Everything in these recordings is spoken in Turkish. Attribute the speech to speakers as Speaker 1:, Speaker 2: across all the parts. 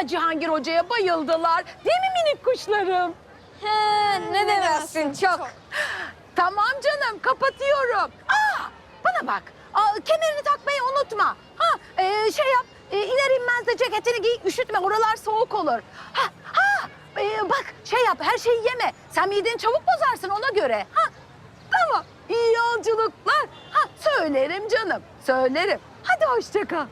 Speaker 1: Cihangir Hoca'ya bayıldılar. Değil mi minik kuşlarım?
Speaker 2: Ne demezsin çok.
Speaker 1: Tamam canım, kapatıyorum. Bana bak. Kemerini takmayı unutma. Şey yap. İner inmez de ceketini giy. Üşütme. Oralar soğuk olur. Bak şey yap. Her şeyi yeme. Sen mideni çabuk bozarsın ona göre. Tamam. İyi yolculuklar. Söylerim canım. Söylerim. Hadi hoşça kal.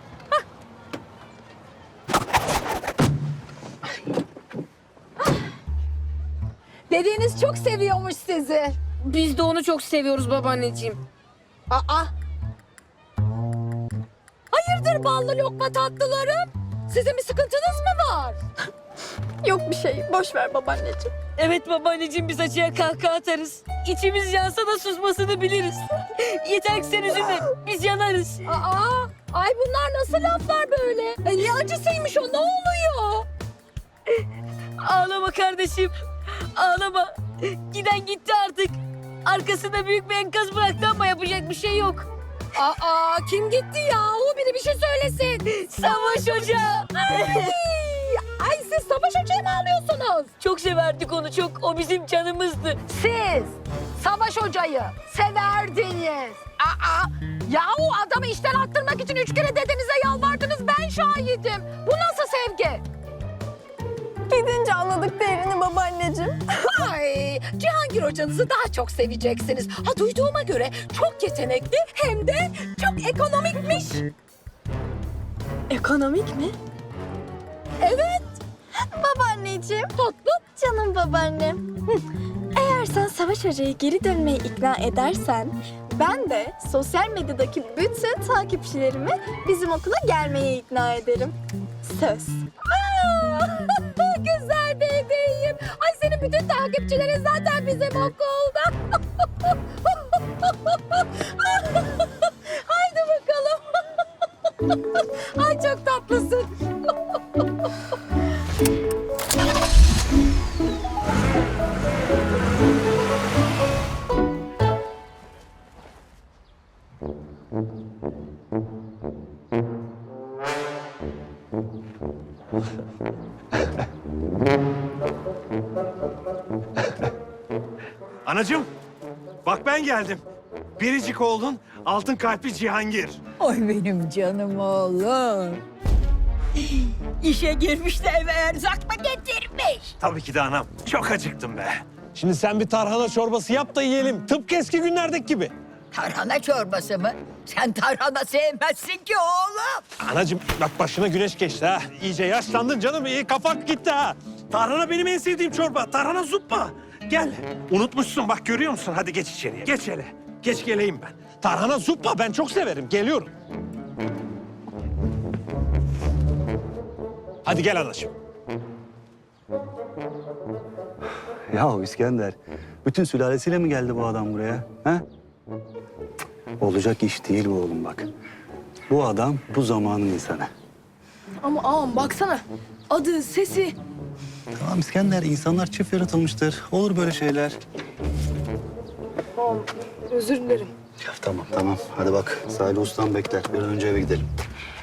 Speaker 1: Dediğiniz çok seviyormuş sizi.
Speaker 2: Biz de onu çok seviyoruz babaanneciğim.
Speaker 1: Hayırdır ballı lokma tatlılarım? Sizin bir sıkıntınız mı var?
Speaker 2: Yok bir şey. Boş ver babaanneciğim. Evet babaanneciğim biz acıya kahkaha atarız. İçimiz yansa da susmasını biliriz. Yeter ki sen üzülme. Biz yanarız.
Speaker 1: Ay bunlar nasıl laflar böyle? Ne acısıymış o, ne oluyor?
Speaker 2: Ağlama kardeşim. Ağlama. Giden gitti artık. Arkasında büyük bir enkaz bıraktı ama yapacak bir şey yok.
Speaker 1: Kim gitti ya? O biri bir şey söylesin.
Speaker 2: Savaş Hoca.
Speaker 1: Ay siz Savaş Hoca'yı mı alıyorsunuz?
Speaker 2: Çok severdik onu çok. O bizim canımızdı.
Speaker 1: Siz Savaş Hoca'yı severdiniz. Yahu adamı işten attırmak için 3 kere dedenize yalvardınız, ben şahidim. Bu nasıl sevgi?
Speaker 3: Gidince anladık değerini babaanneciğim.
Speaker 1: Ay, Cihangir hocanızı daha çok seveceksiniz. Duyduğuma göre çok yetenekli hem de çok ekonomikmiş.
Speaker 3: Ekonomik mi?
Speaker 1: Evet.
Speaker 3: Babaanneciğim.
Speaker 1: Tatlım.
Speaker 3: Canım babaannem. Eğer sen Savaş Hoca'yı geri dönmeye ikna edersen... ...ben de sosyal medyadaki bütün takipçilerimi bizim okula gelmeye ikna ederim. Söz.
Speaker 1: Güzel bebeğim. Ay senin bütün takipçilerin zaten bizim okulda. Haydi bakalım. Ay çok tatlısın.
Speaker 4: Anacığım, bak ben geldim. Biricik oğlun altın kalpli Cihangir.
Speaker 5: Oy benim canım oğlum. İşe girmiş de eve erzak mı getirmiş?
Speaker 4: Tabii ki de anam. Çok acıktım be.
Speaker 6: Şimdi sen bir tarhana çorbası yap da yiyelim. Tıpkı eski günlerdeki gibi.
Speaker 5: Tarhana çorbası mı? Sen tarhana sevmezsin ki oğlum.
Speaker 6: Anacığım bak başına güneş geçti ha. İyice yaşlandın canım. İyi kafak gitti ha.
Speaker 4: Tarhana benim en sevdiğim çorba. Tarhana zuppa. Gel. Unutmuşsun bak, görüyor musun? Hadi geç içeriye. Geç hele. Geç geleyim ben.
Speaker 6: Tarhana zuppa ben çok severim. Geliyorum. Hadi gel anacığım.
Speaker 7: Ya İskender, bütün sülalesiyle mi geldi bu adam buraya? Ha? Olacak iş değil bu oğlum bak. Bu adam bu zamanın insanı.
Speaker 3: Ama ağam baksana. Adı, sesi.
Speaker 7: Tamam İskender, insanlar çift yaratılmıştır. Olur böyle şeyler.
Speaker 3: Özür dilerim.
Speaker 7: Ya tamam. Hadi bak, Salih Ustam bekler. Bir an önce eve gidelim.